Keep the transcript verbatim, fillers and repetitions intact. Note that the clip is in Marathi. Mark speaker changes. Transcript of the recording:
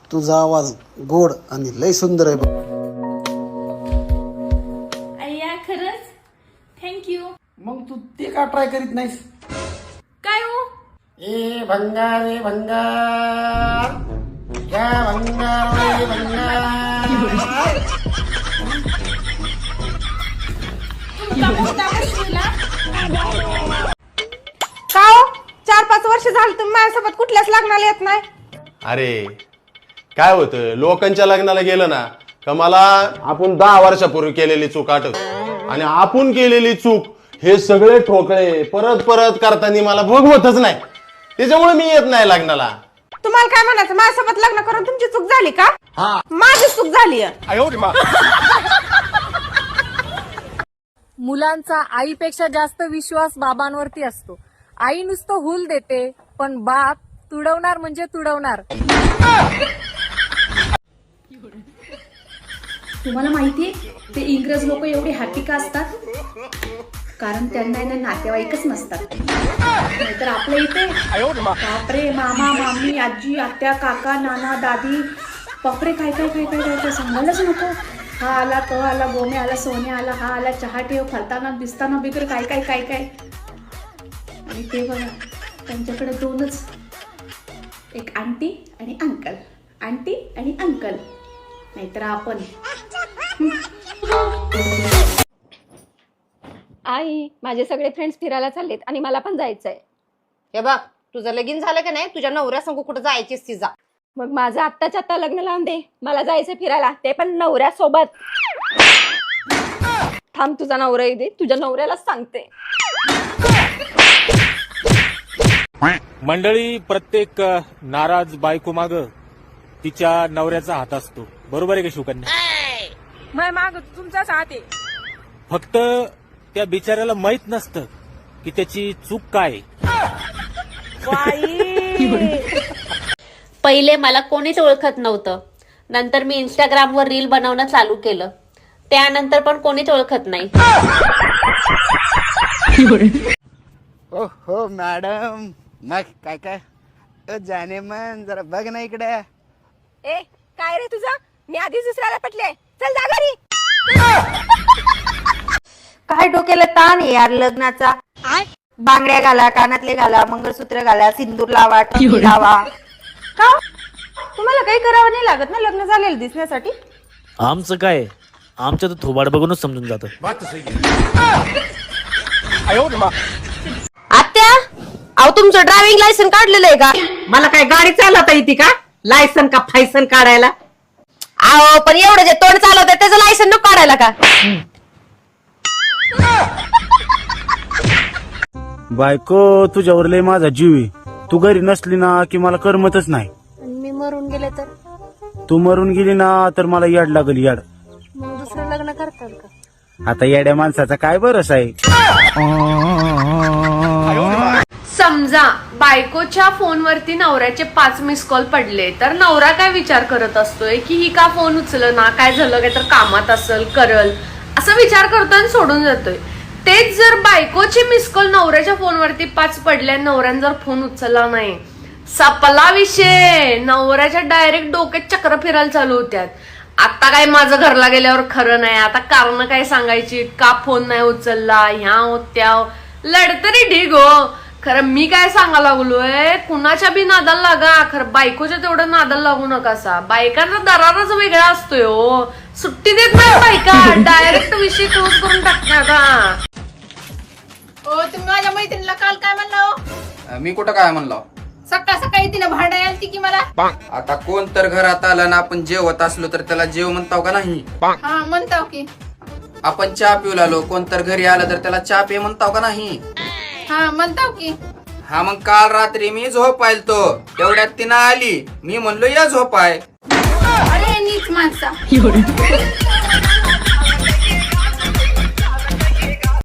Speaker 1: तुझा आवाज गोड आणि लय सुंदर आहे बघ.
Speaker 2: अय्या खरंच थँक्यू.
Speaker 1: मग तू ते का ट्राय करीत नाहीस?
Speaker 2: काय हो?
Speaker 1: ए भंगार रे भंगार, या भंगार रे भंगार.
Speaker 2: तुमचा मोठा बसलेला.
Speaker 3: का हो? चार पाच वर्ष झाली तुम्ही माझ्यासोबत कुठल्याच लग्नाला येत नाही.
Speaker 4: अरे काय होतं, लोकांच्या लग्नाला गेलं ना का मला आपण दहा वर्षापूर्वी केलेली चूक आठवत, आणि आपण केलेली चूक हे सगळे ठोकळे परत परत करताना मला भोगवतच नाही. त्याच्यामुळे मी येत नाही लग्नाला.
Speaker 3: तुम्हाला काय म्हणायचं, माझ्यासोबत लग्न करून तुमची चूक झाली का? माझी चूक झाली.
Speaker 5: मुलांचा आईपेक्षा जास्त विश्वास बाबांवरती असतो. आई नुसतं हुल देते, पण बाप तुडवणार म्हणजे तुडवणार.
Speaker 6: तुम्हाला माहितीये ते इंग्रज लोक एवढे हॅपी का असतात? कारण त्यांना ना नातेवाईकच नसतात. नाहीतर आपल्या इथे बापरे, मामा मामी आजी आत्या काका नाना दादी, बापरे काय काय काय काय काय काय सांगायलाच नको. हा आला तो आला गोमे आला सोने आला, हा आला चहा ठेव, फलताना दिसताना बिगर काय काय काय काय. आणि ते बघा त्यांच्याकडे दोनच, एक आंटी आणि अंकल, आंटी आणि अंकल. नाहीतर आपण.
Speaker 7: आई माझे सगळे फ्रेंड्स फिरायला चाललेत आणि मला पण जायचंय.
Speaker 8: हे बघ तुझं लगीन झालं का नाही, तुझ्या नवऱ्या संग कुठं जायचीच ती जा.
Speaker 7: मग माझं आत्ताच्या आत्ता लग्न लावून दे, मला जायचंय फिरायला, ते पण नवऱ्यासोबत. थांब तुझा नवरा येऊ दे, तुझ्या नवऱ्यालाच सांगते.
Speaker 9: मंडळी, प्रत्येक नाराज बायको माग तिच्या नवऱ्याचा हात असतो. बरोबर आहे का शिवकन्या?
Speaker 5: मग माग तुमचाच हात आहे.
Speaker 9: फक्त त्या बिचाऱ्याला माहित नसतं की त्याची चूक काय.
Speaker 10: पहिले मला कोणीच ओळखत नव्हतं, नंतर मी इंस्टाग्रामवर रील बनवणं चालू केलं, त्यानंतर पण कोणीच ओळखत नाही.
Speaker 1: ओ हो मॅडम, मग काय काय अ, जाने मन जरा बघ ना इकडे.
Speaker 3: ए काय रे तुझं, मी आधीच दुसऱ्याला पटले. चल जा घरी. काय डोक्याला ताण आहे यार लग्नाचा. बांगड्या घाला, कानातले घाला, मंगळसूत्र घाला, सिंदूर लावा, टोपी लावा. का तुम्हाला काही करावं नाही लागत ना लग्न झालेलं दिसण्यासाठी?
Speaker 9: आमचं काय, आमच्या तर थोबाड बघूनच समजून जातं.
Speaker 8: आत्या, अहो तुमचं ड्रायव्हिंग लायसन काढलेलं आहे का?
Speaker 3: मला काय गाडी चालवता येते का? लायसन का फायसन काढायला?
Speaker 8: अहो पण एवढं जे तोंड चालवत त्याचं लायसन नको काढायला का?
Speaker 11: बायको तुझ्यावर लय माझा जीव आहे. तू घरी नसली ना की मला करमतच नाही.
Speaker 7: मी मरून गेले तर
Speaker 11: तू मरून गेली ना तर मला याड लागल याड.
Speaker 7: मग दुसरं लग्न करतात का?
Speaker 11: आता येड्या माणसाचा काय भरोसा आहे.
Speaker 2: समजा बायकोच्या फोनवरती नवऱ्याचे पाच मिस कॉल पडले, तर नवरा काय विचार करत असतोय की ही का फोन उचल ना, काय झालं, काय तर कामात असल करल असा विचार करतो आणि सोडून जातोय. तेच जर बायकोचे मिस कॉल नवऱ्याच्या फोनवरती पाच पडले, नवऱ्याने जर फोन उचलला नाही, सपला विषय. नवऱ्याच्या डायरेक्ट डोक्यात चक्र फिरायला चालू होत्यात. आता काय माझं घरला गेल्यावर खरं नाही, आता कारण काय सांगायची, का फोन नाही उचलला, ह्या त्या लढतरी ढीग हो. खरं मी काय सांगा लागलोय, कुणाच्या बी नादाला लागा, खरं बायकोच्या तेवढं नादाला लागू नकासा. बायकांचा दरारच वेगळा असतोय हो, सुट्टी देत नाही बायका, डायरेक्ट विषय क्लोज करून टाकतात.
Speaker 5: हो तुम्ही माझ्या मैत्रिणीला काल काय म्हणला?
Speaker 12: मी कुठं काय म्हणलो?
Speaker 5: सकाळ सकाळी तिने भांडा आलती की मला.
Speaker 12: आता कोण तर घरात आलं ना, आपण जेवत असलो तर त्याला जेव म्हणताव का नाही?
Speaker 5: हा म्हणताव की.
Speaker 12: आपण चहा पिऊ लागलो, कोण तर घरी आलं तर त्याला चहा पे म्हणताव का नाही?
Speaker 5: हा म्हणताव की.
Speaker 12: हा मग काल रात्री मी झोपायल तो, तेवढ्यात तिनं आली, मी म्हणलो या झोपाय.
Speaker 5: अरे नीच माणसा.